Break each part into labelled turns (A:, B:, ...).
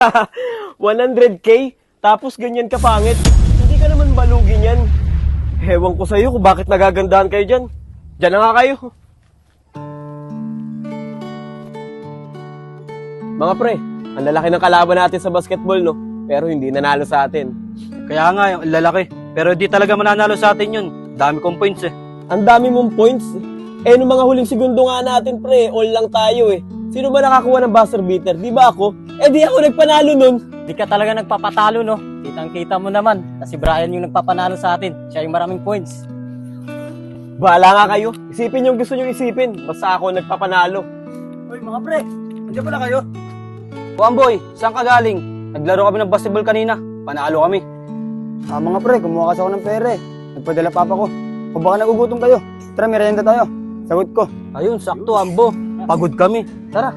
A: 100K? Tapos ganyan ka pangit? Hindi ka naman balugin yan. Hewan ko sa'yo kung bakit nagagandahan kayo dyan. Dyan na nga kayo. Mga pre, ang lalaki ng kalaban natin sa basketball, no? Pero hindi nanalo sa atin.
B: Kaya nga, yung lalaki. Pero di talaga mananalo sa atin yun. Dami kong points eh.
A: Ang dami mong points. Eh, nung mga huling segundo nga natin, pre, all lang tayo eh. Sino ba nakakuha ng buzzer beater? Di ba ako? Eh, di ako nagpanalo nun.
C: Di ka talaga nagpapatalo, no? Kitang-kita mo naman na si Brian yung nagpapanalo sa atin. Siya yung maraming points.
A: Bahala nga kayo. Isipin yung gusto nyo isipin. Basta ako nagpapanalo.
B: Uy, mga pre. Andiyan pala kayo. O Amboy, saan ka galing? Naglaro kami ng basketball kanina. Panalo kami.
D: Mga pre, kumuha kasi ako ng pere. Nagpadala papa ko. Kung baka nagugutom kayo, tara, merienda tayo. Sagot ko.
B: Ayun, sakto Ambo. Pagod kami. Tara.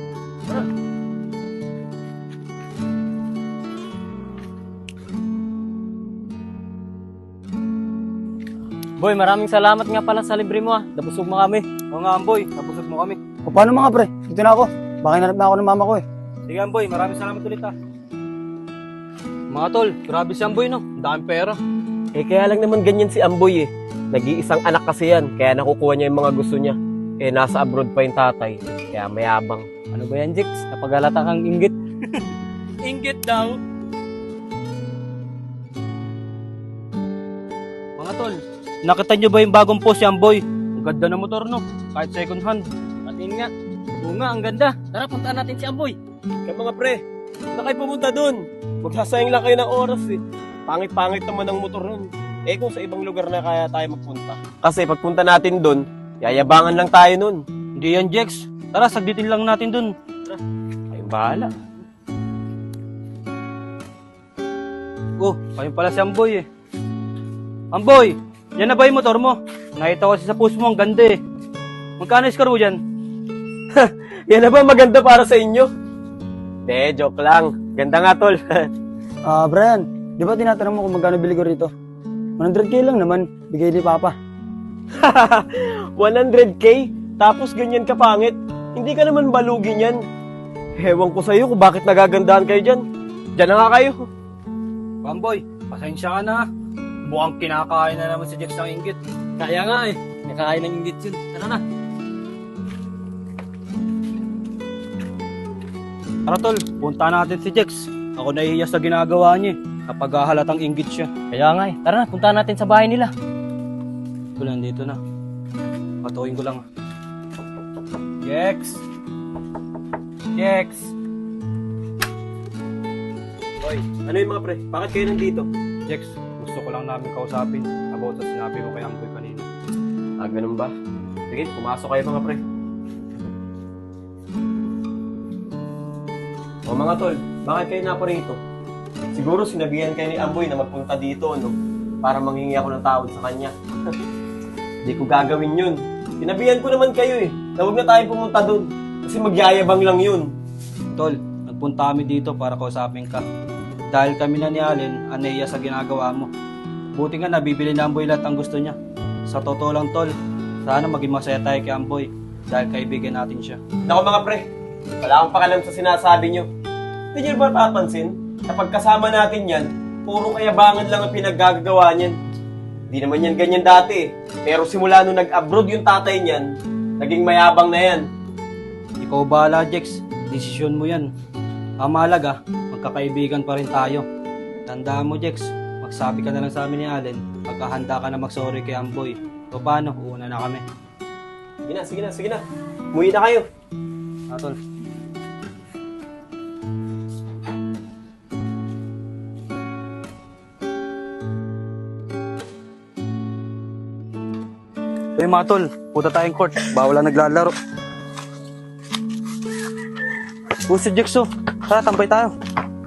C: Boy, maraming salamat nga pala sa libre mo, Nabusog mo kami.
B: O nga Amboy, nabusog mo kami.
D: O paano mga pre? Dito na ako. Baka hinanap na ako ng mama ko eh.
B: Sige Amboy, maraming salamat ulit ha. Mga tol, grabe si Amboy no. Ang daming pera.
A: Eh, kaya lang naman ganyan si Amboy eh. Nag-iisang anak kasi yan. Kaya nakukuha niya yung mga gusto niya. Eh, nasa abroad pa yung tatay. Kaya mayabang.
C: Ano ba yan, Jix? Napagalata kang inggit.
B: Inggit daw. Mga tol, nakita nyo ba yung bagong post si Amboy? Ang ganda ng motor no. Kahit second hand.
C: Patin nga. Oo nga, ang ganda. Tara, puntaan natin si Amboy.
A: Kaya mga pre, na kayo pumunta dun. Magsasayang lang kayo ng oras eh. Pangit-pangit naman ang motor nun. Eh kung sa ibang lugar na kaya tayo magpunta. Kasi pagpunta natin dun, yayabangan lang tayo nun.
B: Hindi yan Jex. Tara, sagditin lang natin dun. Tara.
A: Ayun bahala.
B: Oh, ayun pala si Amboy eh. Amboy, yan na ba yung motor mo? Nakita ko kasi sa post mo, ang ganda eh. Magkano score mo dyan?
A: Yan na ba maganda para sa inyo? De, joke lang. Ganda nga tol.
D: Brian, di ba tinatanong mo kung magkano bili ko rito? 100K lang naman. Bigay ni papa.
A: 100K? Tapos ganyan ka pangit? Hindi ka naman balugin yan. Hewan ko sa'yo kung bakit nagagandahan kayo dyan. Dyan na nga kayo.
B: Amboy, pasensya ka na. Mukhang kinakain na naman si Jex ng inggit.
C: Kaya nga eh. Nakakain ng inggit yun. Tara na.
B: Tara tol, punta natin si Jex. Ako nahihiya sa ginagawa niya eh. Kapag halatang inggit siya.
C: Kaya nga eh. Tara na, puntaan natin sa bahay nila.
B: Tol, nandito na. Patukin ko lang. Jex! Jex!
A: Hoy, ano yung mga pre? Bakit kayo nandito?
B: Jex, gusto ko lang namin kausapin about sa sinabi mo kay Amboy kanina.
A: Ah, ganun ba? Sige, pumasok kayo mga pre. O mga tol, bakit kayo naparito? Siguro sinabihan kayo ni Amboy na magpunta dito, no? Para manghingi ako ng tawad sa kanya. Hindi ko gagawin yun. Sinabihan ko naman kayo eh, na huwag na tayo pumunta dun. Kasi magyayabang lang yun.
B: Tol, nagpunta kami dito para kausapin ka. Dahil kami na ni Allen, aneya sa ginagawa mo. Buti nga nabibili na Amboy lahat ang gusto niya. Sa totoo lang tol, sana maging masaya tayo kay Amboy dahil kaibigan natin siya.
A: Naku mga pre, wala akong pakialam sa sinasabi nyo. Hindi nyo ba papansin? Kapag kasama natin yan, puro kayabangan lang ang pinaggagawa niyan. Hindi naman yan ganyan dati eh. Pero simula nung nag-abroad yung tatay niyan, naging mayabang na yan.
B: Ikaw bahala, Jex. Desisyon mo yan. Ang mahalaga, magkakaibigan pa rin tayo. Tandaan mo, Jex, magsabi ka na lang sa amin ni Allen pagkahanda ka na mag-sorry kay Amboy. O paano, uuna na kami.
A: Sige na. Umuwi na kayo.
B: Tol. Hey mga tol, punta tayong court. Bawal lang naglalaro. Si Jexo, tara tambay tayo.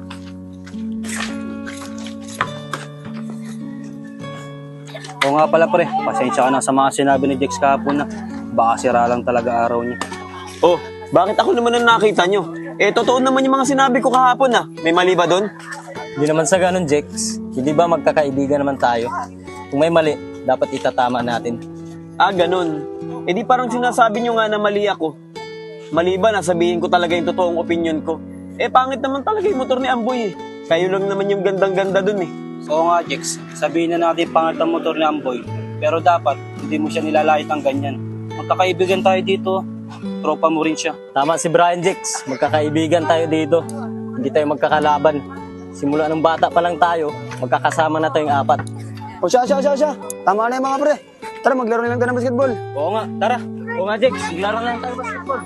B: Oo nga pala pre, pasensya ka na sa mga sinabi ni Jex kahapon na baka sira lang talaga araw niya.
A: Oh, bakit ako naman ang nakita nyo? Eh, totoo naman yung mga sinabi ko kahapon ah. May mali ba doon?
C: Hindi naman sa ganun, Jex. Hindi ba magkakaibigan naman tayo? Kung may mali, dapat itatama natin.
A: Ah, ganun. Eh di parang sinasabi nyo nga na mali ako. Mali ba na sabihin ko talaga yung totoong opinion ko? Eh, pangit naman talaga yung motor ni Amboy eh. Kayo lang naman yung gandang-ganda dun eh.
B: Oo nga, Jex. Sabihin na natin pangat ang motor ni Amboy. Pero dapat, hindi mo siya nilalait ng ganyan. Magkakaibigan tayo dito. Tropa mo rin siya.
C: Tama si Brian Jex, magkakaibigan tayo dito. Hindi tayo magkakalaban. Simula ng bata pa lang tayo, magkakasama na tayong apat.
D: O siya. Tama na yung mga pre. Tara, maglaro na lang tayo ng basketball.
B: Oo nga, tara.
C: Oo nga Jex, maglaro na lang tayo basketball.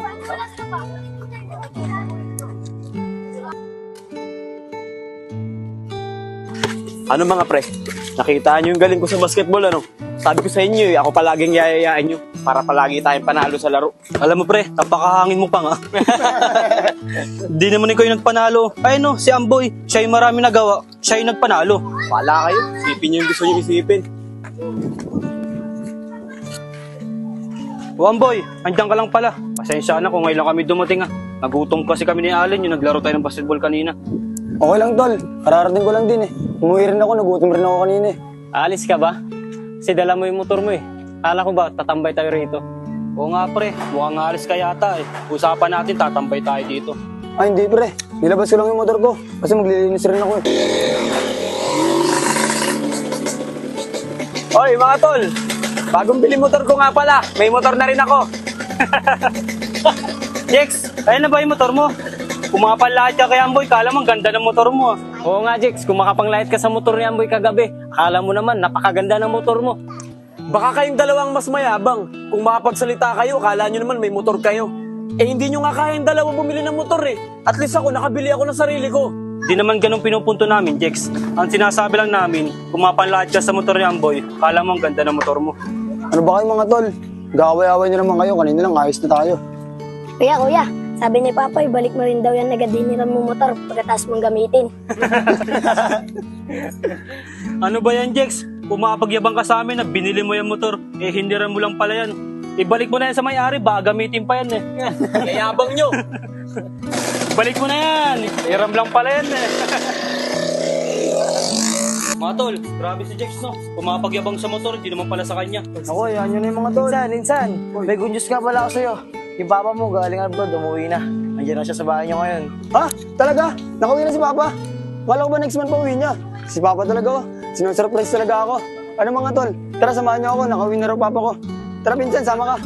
A: Ano mga pre? Nakita nyo yung galing ko sa basketball, ano? Sabi ko sa inyo ako palaging yayayain nyo para palagi tayong panalo sa laro.
B: Alam mo pre, napakahangin mo pa nga. Di naman ikaw yung nagpanalo. Ay no, si Amboy, siya yung marami nagawa. Siya yung nagpanalo.
A: Wala kayo. Isipin nyo yung gusto nyo isipin.
B: O Amboy, andyan ka lang pala. Pasensya na kung ngayon lang kami dumating ah. Nagutom kasi kami ni Allen yung naglaro tayo ng basketball kanina.
D: Okay lang, tol. Kararating ko lang din eh. Umuwi rin ako, nagutom rin ako kanina eh.
C: Alis ka ba? Kasi dala mo yung motor mo eh. Kala ko ba, tatambay tayo rito?
B: Oo nga pre, mukhang alis ka yata eh. Usapan natin, tatambay tayo dito.
D: Ay, hindi pre. Nilabas ko lang yung motor ko. Kasi maglilinis rin ako eh.
A: Oy, mga tol! Bagong bili motor ko nga pala. May motor na rin ako.
B: Jex, ayun na ba yung motor mo? Kumapanlahat ka kay Amboy, kala mo ang ganda ng motor mo ah.
C: Oo nga Jex, kung makapanglait ka sa motor ni Amboy kagabi, akala mo naman, napakaganda ng motor mo.
A: Baka kayong dalawang mas mayabang. Kung makapagsalita kayo, akala nyo naman may motor kayo. Eh, hindi nyo nga kayang dalawa bumili ng motor eh. At least ako, nakabili ako ng sarili ko.
B: Di naman ganun pinupunto namin, Jex. Ang sinasabi lang namin, kung mapanlahat ka sa motor ni Amboy, kala mo ang ganda ng motor mo.
D: Ano ba kayo mga tol? Gaway-away nyo naman kayo. Kanina lang, ayos na tayo.
E: Kuya, sabi ni Papa, ibalik mo rin daw yan nagadiniran mo motor pagkatapos mong gamitin.
B: Ano ba yan, Jex? Pumapagyabang ka sa amin na binili mo yung motor, eh hindiran mo lang pala yan. Ibalik mo na yan sa may-ari, baka gamitin pa yan eh.
A: Yayabang nyo.
B: Balik mo na yan, hiram lang pala yan eh. Mga tol, grabe si Jex no. Pumapagyabang sa motor, hindi naman pala sa kanya.
D: Ako, yan yun na yung mga tol.
F: Insan, may good news nga pala ako sa'yo. Yung papa mo galing abroad, umuwi na. Nandiyan na siya sa bahay niyo ngayon.
D: Ha? Talaga? Nakauwi na si Papa? Wala ko ba next month pa uwi niya? Si Papa talaga oh. Sinusurprise talaga ako. Ano mga tol? Tara, samahan niyo ako. Nakauwi na raw Papa ko. Tara, pinsan, sama ka.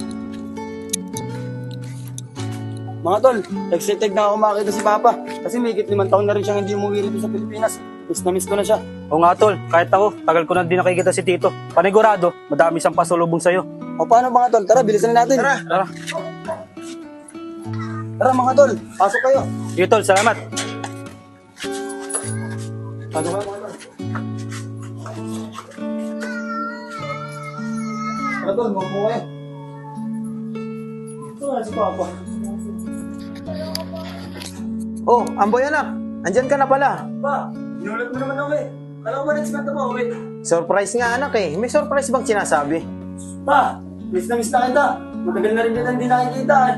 D: Mga tol, excited na ako makita si Papa. Kasi may 5 taon na rin siyang hindi umuwi rito sa Pilipinas. Miss na miss ko na siya.
B: O nga tol, kahit ako, tagal ko na din nakikita si Tito. Panigurado, madami siyang pasulubong sa'yo.
D: O paano mga tol? Tara, bilisan na natin.
B: Tara.
D: Tara mga tol, pasok kayo.
B: Sige tol, salamat.
D: Pasok kayo mga tol. Tara tol, mabuo kayo. Ito na si Papa.
F: Oh, Amboy anak, andyan ka na pala.
D: Pa, inulat mo naman ako eh. Alam ko ba next month na ba uwi?
F: Surprise nga anak eh. May surprise bang sinasabi?
D: Pa, miss na kita. Matagal na rin kita hindi nakikita eh.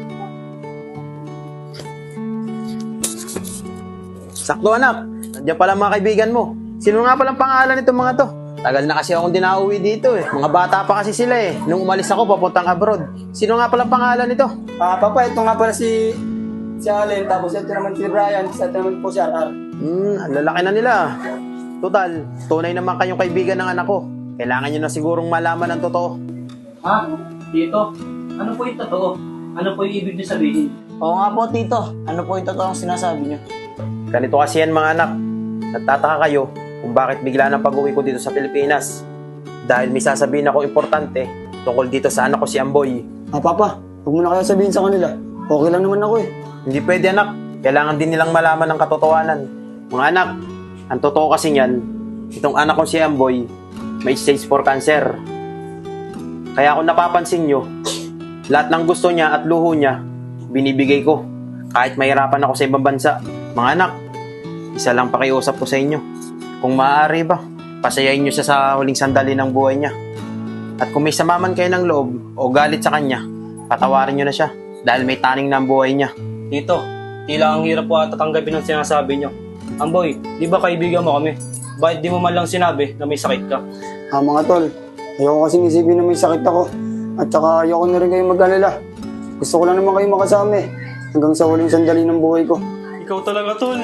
F: Sakto anak, andyan pala mga kaibigan mo. Sino nga palang pangalan nitong mga to? Tagal na kasi akong dinauwi dito eh. Mga bata pa kasi sila eh. Nung umalis ako papuntang abroad. Sino nga palang pangalan nito?
D: Papa, ito nga pala si Allen, tapos ito naman si Brian, ito naman po si RR.
F: Ang lalaki na nila. Total, tunay naman kayong kaibigan ng anak ko. Kailangan nyo na sigurong malaman ang totoo.
B: Ha? Tito, ano po yung totoo? Ano po yung ibig niyo sabihin?
F: Oo nga po, Tito. Ano po yung totoong sinasabi nyo?
C: Ganito kasi yan mga anak. Nagtataka kayo kung bakit bigla ng pag-uwi ko dito sa Pilipinas. Dahil may sasabihin ako importante tungkol dito sa anak ko si Amboy.
D: Papa, huwag mo na kaya sabihin sa kanila. Okay lang naman ako eh.
C: Hindi pwede anak. Kailangan din nilang malaman ang katotohanan. Mga anak, ang totoo kasi niyan, itong anak ko si Amboy, may stage 4 cancer. Kaya kung napapansin nyo, lahat ng gusto niya at luho niya, binibigay ko. Kahit mahirapan ako sa ibang bansa. Mga anak, isa lang pakiusap ko sa inyo. Kung maaari ba, pasayain nyo siya sa huling sandali ng buhay niya. At kung may samaman kayo ng loob o galit sa kanya, patawarin nyo na siya dahil may taning na ang buhay niya.
B: Tito, tila ang hirap po ata tanggapin ang sinasabi niyo. Amboy, di ba kaibigan mo kami? Bakit di mo man lang sinabi na may sakit ka?
D: Mga tol, ayoko kasing isipin na may sakit ako. At saka ayoko na rin kayo mag-alala. Gusto ko lang naman kayo makasama eh. Hanggang sa huling sandali ng buhay ko.
B: Ikaw talaga, tol.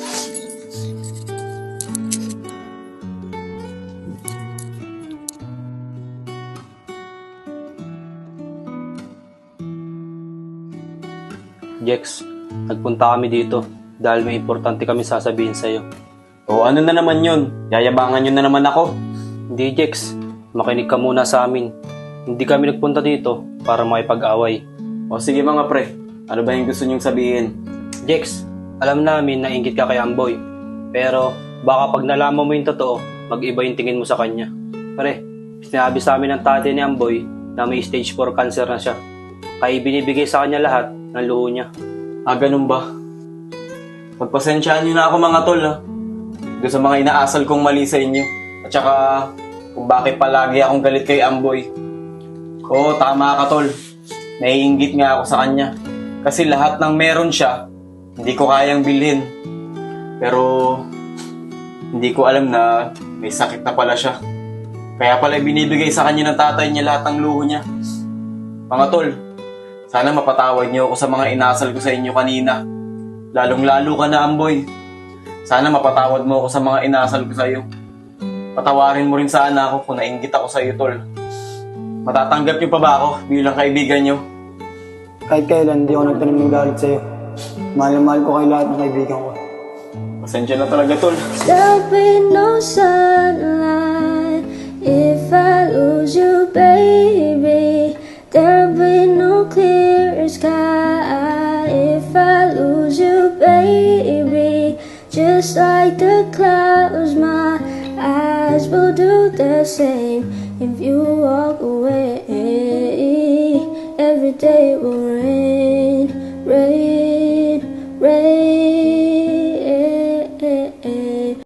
B: Jex, nagpunta kami dito dahil may importante kami sasabihin sa'yo.
A: O ano na naman yun? Yayabangan nyo na naman ako.
B: Hindi, Jex. Makinig ka muna sa amin. Hindi kami nagpunta dito para makipag-away.
A: O sige mga pre, ano ba yung gusto nyong sabihin?
B: Jex, alam namin na inggit ka kay Amboy. Pero baka pag nalaman mo yung totoo, mag-iba yung tingin mo sa kanya. Pare, sinabi sa amin ng tatay ni Amboy na may stage 4 cancer na siya. Kaya binibigay sa kanya lahat ng luho niya.
A: Ah, ganun ba? Pagpasensyaan nyo na ako mga tol ha. Doon sa mga inaasal kong mali sa inyo. At saka kung bakit palagi akong galit kay Amboy. Oo, tama ka tol. Naiinggit nga ako sa kanya. Kasi lahat ng meron siya, hindi ko kayang bilhin. Pero hindi ko alam na may sakit na pala siya. Kaya pala binibigay sa kanya ng tatay niya lahat ng luho niya. Mga tol, sana mapatawad niyo ako sa mga inasal ko sa inyo kanina. Lalong-lalo ka na, Amboy. Sana mapatawad mo ako sa mga inasal ko sa iyo. Patawarin mo rin sana ako kung nainggit ako sa iyo, tol. Matatanggap niyo pa ba ako bilang kaibigan niyo?
D: Kahit kailan, hindi ako nagtanim ng galit sa'yo. Mahal na mahal ko kayo lahat ng kaibigan ko.
A: Pasensya na talaga, tol.
G: There'll be no sunlight if I lose you, baby. There'll be no clear sky if I lose you, baby. Just like the clouds, my eyes will do the same if you walk away. Every day will rain, rain, rain.